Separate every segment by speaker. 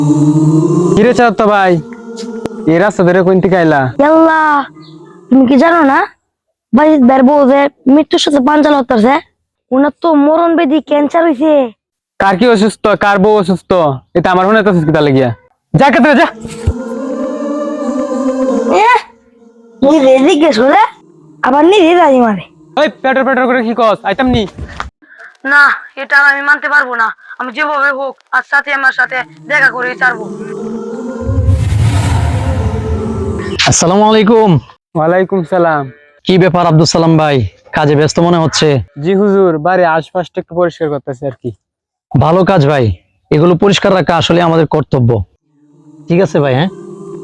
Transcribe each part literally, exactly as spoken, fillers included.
Speaker 1: কিরে চাঁদ তো ভাই, এই রাস্তা ধরে কোন থেকে আইলা?
Speaker 2: আল্লাহ, তুমি কি জানো না বাজিদ ভাইয়ের বউ যে মৃত্যুর সাথে পাঞ্জাল হতেছে, ওনার তো মরণ বেদি ক্যান্সার হয়েছে।
Speaker 1: কার কি অসুস্থ, কার বউ অসুস্থ, এটা আমার মনে হচ্ছে কিতা লাগিয়া। যা কেতরে যা।
Speaker 2: নিজে জিজ্ঞেস করে আবার নিজে রাজি মারে।
Speaker 1: ওই পেটর পেটর করে কি কস? আইতাম নি।
Speaker 2: না, এটা আর আমি মানতে পারবো না। আমি যেভাবে হোক আজ সাথে আমার সাথে দেখা করে ছাড়বো।
Speaker 3: আসসালামু আলাইকুম।
Speaker 1: ওয়ালাইকুম সালাম।
Speaker 3: কি ব্যাপার আব্দুল সালাম ভাই, কাজে ব্যস্ত মনে হচ্ছে?
Speaker 1: জি হুজুর, বাড়ি আশপাশটা একটু পরিষ্কার করতেছি আর কি।
Speaker 3: ভালো কাজ ভাই, এগুলো পরিষ্কার রাখা আসলে আমাদের কর্তব্য। ঠিক আছে ভাই। হ্যাঁ,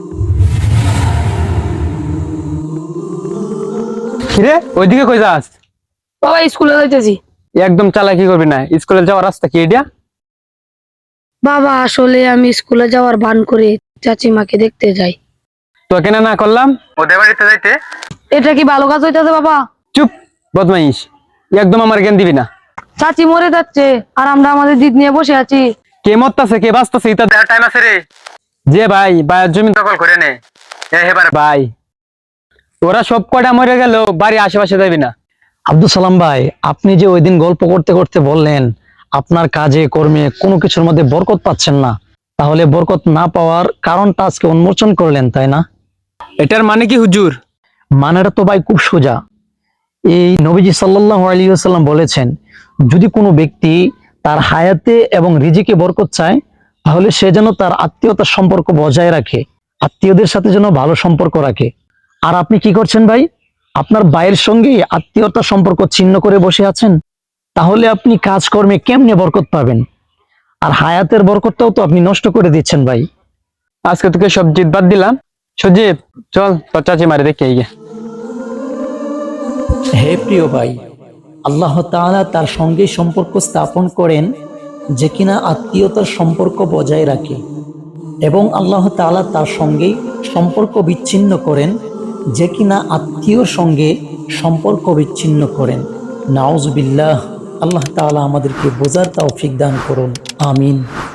Speaker 1: কিরে ওইদিকে কই যাস?
Speaker 2: বাবা স্কুলে যাইতেছি।
Speaker 1: একদম চালাকি করবি না, স্কুলে যাওয়ার রাস্তা কি এটা?
Speaker 2: বাবা আসলে আমি স্কুলে যাওয়ার ভান করে চাচিমাকে দেখতে যাই।
Speaker 1: তো কেন না করলাম ওদের বাড়িতে যাইতে?
Speaker 2: এটা কি ভালো কাজ হইতাছে বাবা?
Speaker 1: চুপ বদমাইশ, একদম আমার জ্ঞান দিবি না।
Speaker 2: চাচি মরে যাচ্ছে আর আমরা আমাদের দিদ নিয়ে বসে আছি।
Speaker 1: কে মরতাছে কে বাঁচতাছে এটা দেখার টাইম আছে রে। যে ভাই ভাইয়ের জমি দখল করে নে এবার ভাই, ওরা সব কটা মরে গেল, বাড়ি আশেপাশে যাবি না।
Speaker 3: আব্দুল সালাম ভাই, আপনি যে ওই দিন গল্প করতে করতে বললেন আপনার কাজে কর্মে কোনো কিছুর মধ্যে বরকত পাচ্ছেন না, তাহলে বরকত না পাওয়ার কারণটা আজকে উন্মোচন করলেন, তাই না?
Speaker 1: এটার মানে কি হুজুর?
Speaker 3: মানেটা তো ভাই খুব সোজা। এই নবীজি সাল্লাল্লাহু আলাইহি ওয়াসাল্লাম বলেছেন, যদি কোনো ব্যক্তি তার হায়াতে এবং রিজিকে বরকত চায়, তাহলে সে যেন তার আত্মীয়তার সম্পর্ক বজায় রাখে, আত্মীয়দের সাথে যেন ভালো সম্পর্ক রাখে। আর আপনি কি করছেন ভাই? আপনার ভাইয়ের সঙ্গে আত্মীয়তার সম্পর্ক ছিন্ন করে বসে আছেন। তাহলে আপনি কাজকর্মে কেমনে বরকত পাবেন? আর হায়াতের বরকতটাও তো আপনি নষ্ট করে দিচ্ছেন ভাই।
Speaker 1: আজকে তোকে সব জিত বাদ দিলাম। সজীব চল তোর চাচি মারে দেখে আইগে।
Speaker 3: হে প্রিয় ভাই, আল্লাহ তাআলা তার সঙ্গে সম্পর্ক স্থাপন করেন যে কিনা আত্মীয়তার সম্পর্ক বজায় রাখে, এবং আল্লাহ তাআলা তার সঙ্গে সম্পর্ক বিচ্ছিন্ন করেন যে কিনা আত্মীয়র সঙ্গে সম্পর্ক বিচ্ছিন্ন করেন। নাউজুবিল্লাহ। আল্লাহ তাআলা আমাদেরকে বোঝার তৌফিক দান করুন। আমিন।